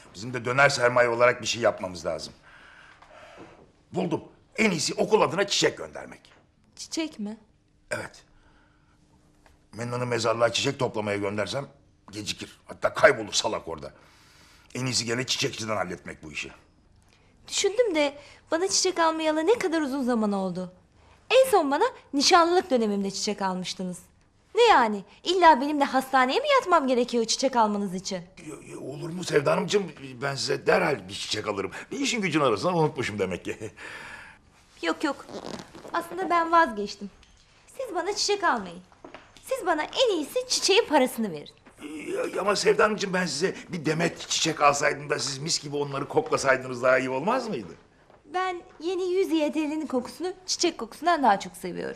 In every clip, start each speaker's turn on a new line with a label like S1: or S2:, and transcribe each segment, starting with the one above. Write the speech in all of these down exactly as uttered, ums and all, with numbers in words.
S1: Bizim de döner sermaye olarak bir şey yapmamız lazım. Buldum. En iyisi okul adına çiçek göndermek.
S2: Çiçek mi?
S1: Evet. Mennan'ı mezarlığa çiçek toplamaya göndersem gecikir. Hatta kaybolur salak orada. En iyisi gene çiçekçiden halletmek bu işi.
S2: Düşündüm de bana çiçek almayalı ne kadar uzun zaman oldu. En son bana nişanlılık dönemimde çiçek almıştınız. Ne yani? İlla benimle hastaneye mi yatmam gerekiyor çiçek almanız için?
S1: Y- y- Olur mu Sevda Hanımcığım? Ben size derhal bir çiçek alırım. Bir işin gücün arasından unutmuşum demek ki.
S2: Yok yok. Aslında ben vazgeçtim. Siz bana çiçek almayın. Siz bana en iyisi çiçeğin parasını verin.
S1: Y- Ama Sevda Hanımcığım ben size bir demet çiçek alsaydım da siz mis gibi onları koklasaydınız daha iyi olmaz mıydı?
S2: Ben yeni yüz Y T L'nin kokusunu çiçek kokusundan daha çok seviyorum.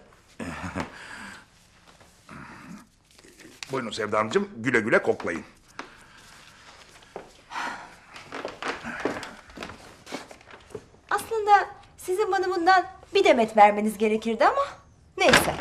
S1: Buyurun Sevda Hanımcığım güle güle koklayın.
S2: Aslında sizin bana bundan bir demet vermeniz gerekirdi ama neyse.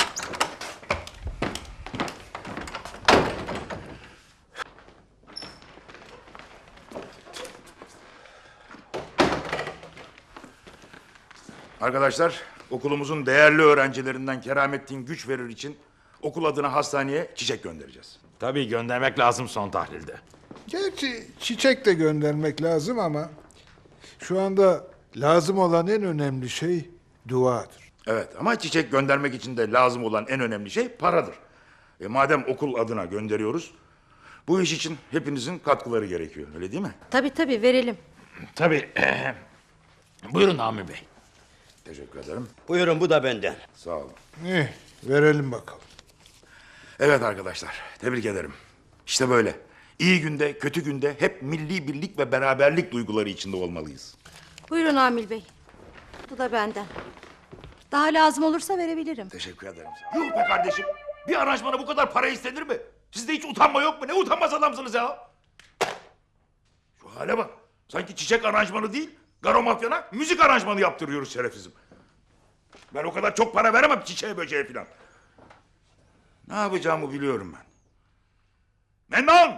S1: Arkadaşlar okulumuzun değerli öğrencilerinden Keramettin güç verir için okul adına hastaneye çiçek göndereceğiz.
S3: Tabii göndermek lazım son tahlilde.
S4: Gerçi çiçek de göndermek lazım ama şu anda lazım olan en önemli şey duadır.
S1: Evet ama çiçek göndermek için de lazım olan en önemli şey paradır. E, madem okul adına gönderiyoruz bu iş için hepinizin katkıları gerekiyor öyle değil mi?
S5: Tabii tabii verelim.
S3: Tabii. Buyurun Amir Bey.
S1: Teşekkür ederim.
S6: Buyurun bu da benden.
S1: Sağ olun.
S4: Eh, verelim bakalım.
S1: Evet arkadaşlar tebrik ederim. İşte böyle. İyi günde kötü günde hep milli birlik ve beraberlik duyguları içinde olmalıyız.
S5: Buyurun Amil Bey. Bu da benden. Daha lazım olursa verebilirim.
S1: Teşekkür ederim. Yuh be kardeşim. Bir aranjmana bu kadar para istenir mi? Sizde hiç utanma yok mu? Ne utanmaz adamsınız ya? Şu hale bak. Sanki çiçek aranjmanı değil, Garo Mafya'na müzik aranjmanı yaptırıyoruz şerefsizim. Ben o kadar çok para veremem çiçeğe böceğe filan. Ne yapacağımı biliyorum ben. Mennan!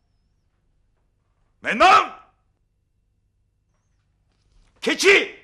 S1: Mennan! Keçi!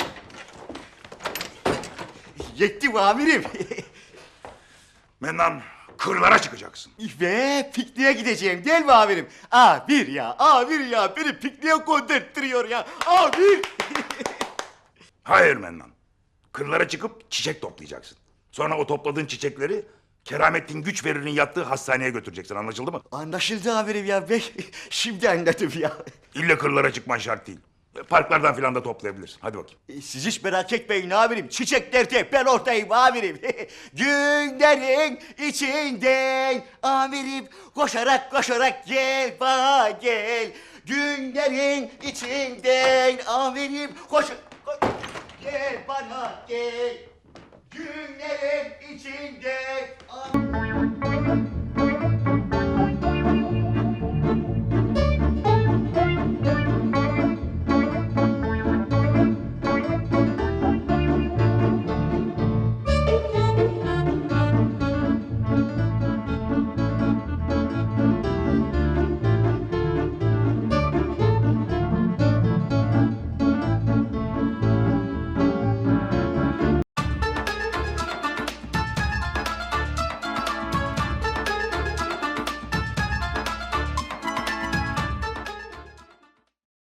S6: Yettim amirim.
S1: Mennan, kırlara çıkacaksın.
S6: Ve pikniğe gideceğim değil mi amirim? Amir ya, amir ya beni pikniğe gönderttiriyor ya. Amir!
S1: Hayır Mennan. Kırlara çıkıp çiçek toplayacaksın. Sonra o topladığın çiçekleri Keramettin güç verir'in yattığı hastaneye götüreceksin. Anlaşıldı mı?
S6: Anlaşıldı amirim ya. Ben şimdi anladım ya.
S1: İlle kırlara çıkman şart değil. Parklardan filan da toplayabilirsin. Hadi bakayım.
S6: E, Siz hiç merak etmeyin amirim. Çiçeklerde ben ortayım amirim. Günlerin içinden amirim koşarak koşarak gel bana gel. Günlerin içinden amirim koş, koş gel bana gel. Günlerin içinden amirim.